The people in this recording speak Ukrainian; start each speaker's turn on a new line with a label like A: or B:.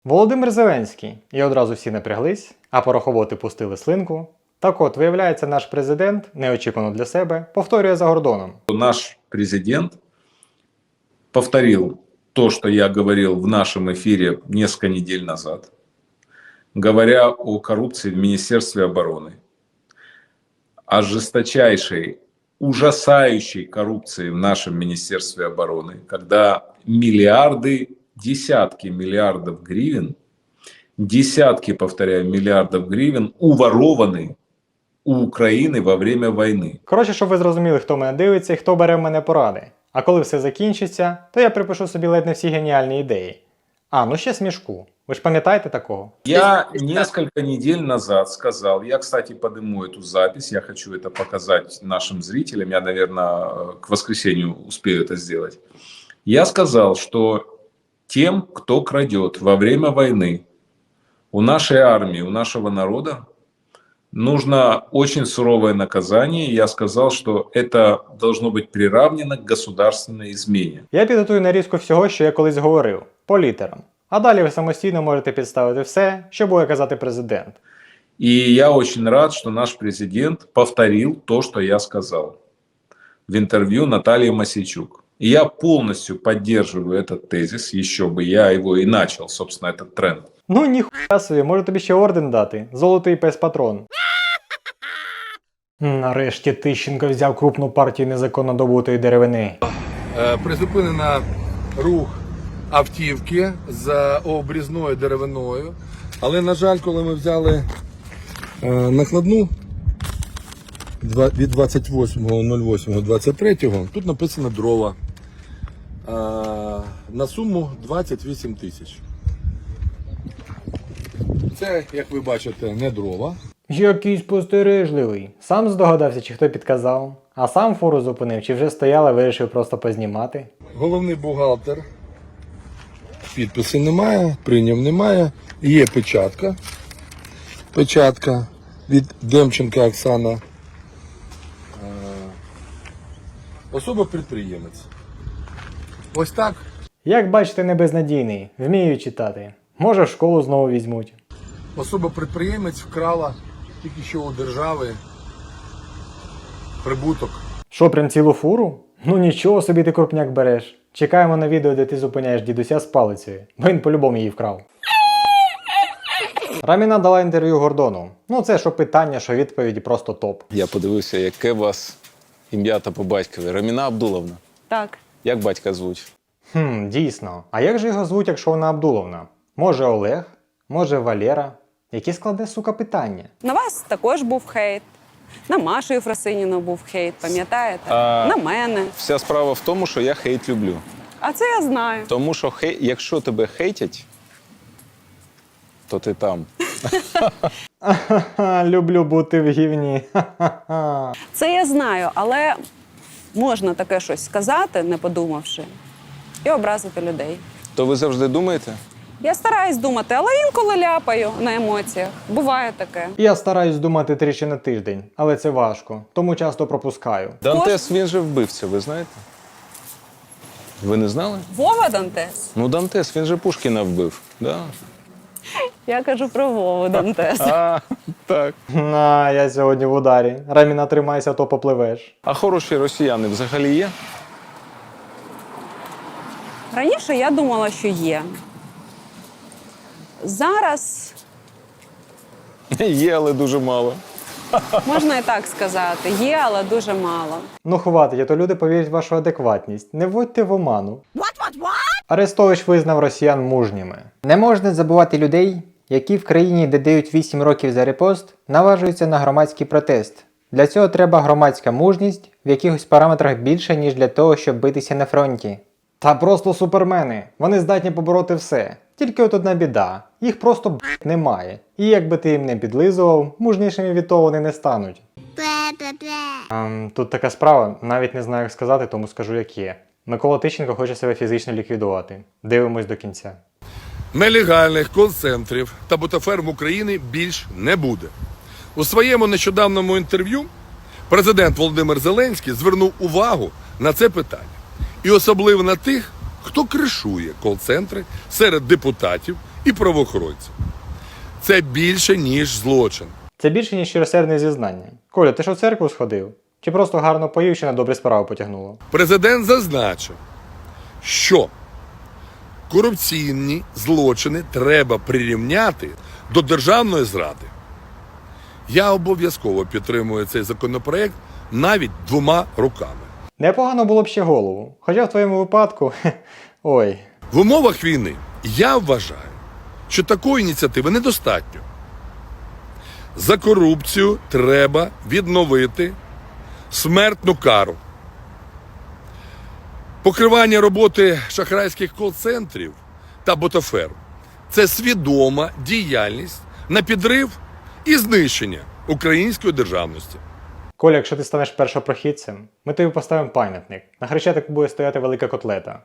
A: Володимир Зеленський. І одразу всі напряглись, а порохоботи пустили слинку. Так от, виявляється, наш президент, неочікувано для себе, повторює за Гордоном.
B: Наш президент повторил то, что я говорил в нашем эфире несколько недель назад, говоря о коррупции в Министерстве обороны, о жесточайшей, ужасающей коррупции в нашем Министерстве обороны, когда миллиарды, десятки миллиардов гривен, десятки, повторяю, миллиардов гривен уворованы у України во время війни.
A: Коротше, щоб ви зрозуміли, хто мене дивиться і хто бере в мене поради. А коли все закінчиться, то я припишу собі ледь не всі геніальні ідеї. Ну ще смішку. Ви ж пам'ятаєте такого?
B: Я несколько недель назад сказал, я, кстати, подниму эту запись, я хочу это показать нашим зрителям, я, наверное, к воскресенью успею это сделать. Я сказал, что тем, кто крадет во время войны у нашей армии, у нашего народа, нужно очень суровое наказание. Я сказал, что это должно быть приравнено к государственной измене.
A: Я підготую нарізку всього, що я колись говорив, по літерам. А далі ви самостійно можете підставити все, що буде казати президент.
B: И я очень рад, что наш президент повторил то, что я сказал в интервью Наталье Мосейчук. И я полностью поддерживаю этот тезис, еще бы я его и начал, собственно, этот тренд.
A: Ну ніхуя собі, можу тобі ще орден дати. Золотий пес-патрон. Нарешті Тищенко взяв крупну партію незаконно добутої деревини.
C: Призупинено рух автівки з обрізною деревиною. Але, на жаль, коли ми взяли накладну від 28.08.23, тут написано дрова на суму 28 тисяч. Це, як ви бачите, не дрова.
A: Який спостережливий. Сам здогадався, чи хто підказав. А сам фуру зупинив, чи вже стояли, вирішив просто познімати.
C: Головний бухгалтер. Підписи немає, прийняв немає. Є печатка. Печатка від Демченка Оксана. Особа-підприємець. Ось так.
A: Як бачите, не безнадійний. Вмію читати. Може в школу знову візьмуть.
C: Особа-підприємець вкрала тільки що у держави прибуток.
A: Що, прям цілу фуру? Ну нічого собі ти крупняк береш. Чекаємо на відео, де ти зупиняєш дідуся з палицею, бо він по-любому її вкрав. Раміна дала інтерв'ю Гордону. Ну це що питання, що відповіді просто топ.
D: Я подивився, яке у вас ім'я та по батькові. Раміна Абдуловна.
E: Так.
D: Як батька звуть?
A: Дійсно. А як же його звуть, якщо вона Абдуловна? Може Олег? Може Валера? Які складне, сука, питання?
E: На вас також був хейт. На Машу Єфросиніну був хейт, пам'ятаєте? На мене.
D: Вся справа в тому, що я хейт люблю.
E: А це я знаю.
D: Тому що якщо тебе хейтять, то ти там.
A: Люблю бути в гівні.
E: Це я знаю, але можна таке щось сказати, не подумавши, і образити людей.
D: То ви завжди думаєте?
E: Я стараюсь думати, але інколи ляпаю на емоціях. Буває таке.
A: Я стараюсь думати тричі на тиждень, але це важко, тому часто пропускаю.
D: Дантес, він же вбивця, ви знаєте? Ви не знали?
E: Вова Дантес.
D: Ну, Дантес, він же Пушкіна вбив. Да.
E: Я кажу про Вову Дантес.
D: Так.
A: Я сьогодні в ударі. Раміна, тримайся, то попливеш.
D: А хороші росіяни взагалі є?
E: Раніше я думала, що є. Зараз
D: Є, але дуже мало.
E: можна і так сказати. Є, але дуже мало.
A: Ну хватить, а то люди повірять в вашу адекватність. Не вводьте в оману. Арестович визнав росіян мужніми. Не можна забувати людей, які в країні, де дають 8 років за репост, наважуються на громадський протест. Для цього треба громадська мужність в якихось параметрах більше, ніж для того, щоб битися на фронті. Та просто супермени. Вони здатні побороти все. Тільки от одна біда. Їх просто немає. І якби ти їм не підлизував, мужнішими від того вони не стануть. Тут така справа, навіть не знаю як сказати, тому скажу як є. Микола Тищенко хоче себе фізично ліквідувати. Дивимось до кінця.
C: Нелегальних кол-центрів та бутаферм України більш не буде. У своєму нещодавньому інтерв'ю президент Володимир Зеленський звернув увагу на це питання. І особливо на тих, хто кришує кол-центри серед депутатів і правоохоронців. Це більше, ніж злочин.
A: Це більше, ніж щиросердне зізнання. Коля, ти що в церкву сходив? Чи просто гарно поїв, чи на добрі справи потягнуло?
C: Президент зазначив, що корупційні злочини треба прирівняти до державної зради. Я обов'язково підтримую цей законопроект навіть 2 руками.
A: Непогано було б ще голову. Хоча в твоєму випадку, ой.
C: В умовах війни я вважаю, що такої ініціативи недостатньо. За корупцію треба відновити смертну кару. Покривання роботи шахрайських кол-центрів та ботаферм – це свідома діяльність на підрив і знищення української державності.
A: Коля, якщо ти станеш першопрохідцем, ми тобі поставимо пам'ятник. На Хрещатику буде стояти велика котлета.